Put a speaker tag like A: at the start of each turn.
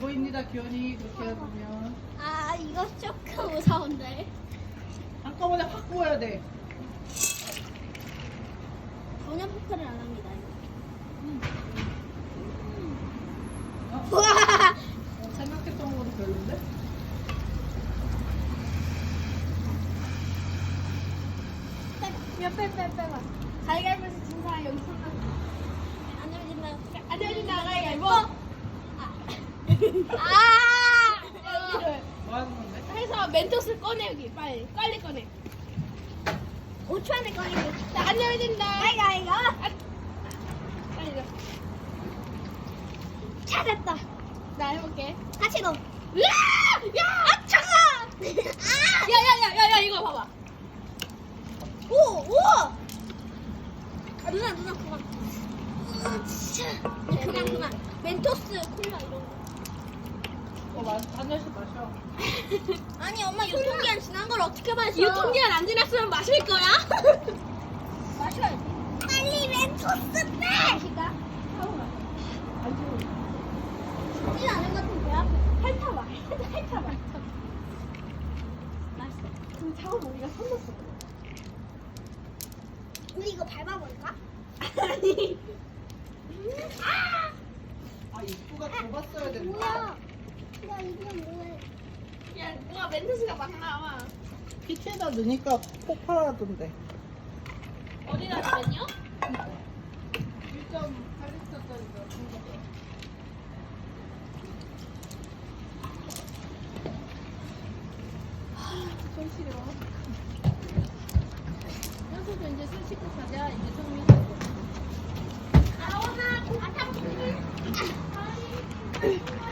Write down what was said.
A: 보입니다, 기현이. 그렇게 해보면.
B: 아 이거 조금 무서운데.
A: 한꺼번에 확 구워야 돼.
B: 전혀 포크를 안 합니다.
A: 어?
B: 우와.
A: 생각했던 것보다 별론데?
B: 빼봐. 가위바위보에서 진 사람 여기 손 안 열린다. 가위바위보.
A: 뭐 하는 건데?
C: 해서 멘토스 꺼내 여기 빨리 꺼내.
B: 5초 안에 꺼내고.
C: 안 열린다.
B: 가위바위보.
C: 빨리 넣어.
B: 찾았다.
C: 나 해볼게.
B: 같이 넣어.
C: 으아! 야!
B: 아 차가.
C: 야야야야야 이거 봐봐.
B: 오. 누나 그만. 진짜. 그만. 멘토스 콜라 이런 거.
A: 한 잔씩 마셔.
B: 아니 엄마 유통기한 지난 걸 어떻게 마셔?
C: 유통기한 안 지났으면 마실 거야?
B: 마셔야지. 빨리 멘토스 빼. 마실까? 쉽지 않은 것 같은데요? 핥아봐. 맛있어.
C: 지금 처음 우리가 손 넣었어.
B: 우리 이거 밟아볼까?
C: 아니.
A: 아, 입구가 좁았어야 된다.
B: 뭐야? 나 이게 뭐야?
C: 야 뭐가 멘토스가 막 나와.
A: 피치에다 넣으니까 폭발하던데.
C: 어디다 넣었냐?
A: 1.8리터짜리가
C: 손 시려. 현수도 이제 손 씻고 가자. 이제 성민.
B: 아오나.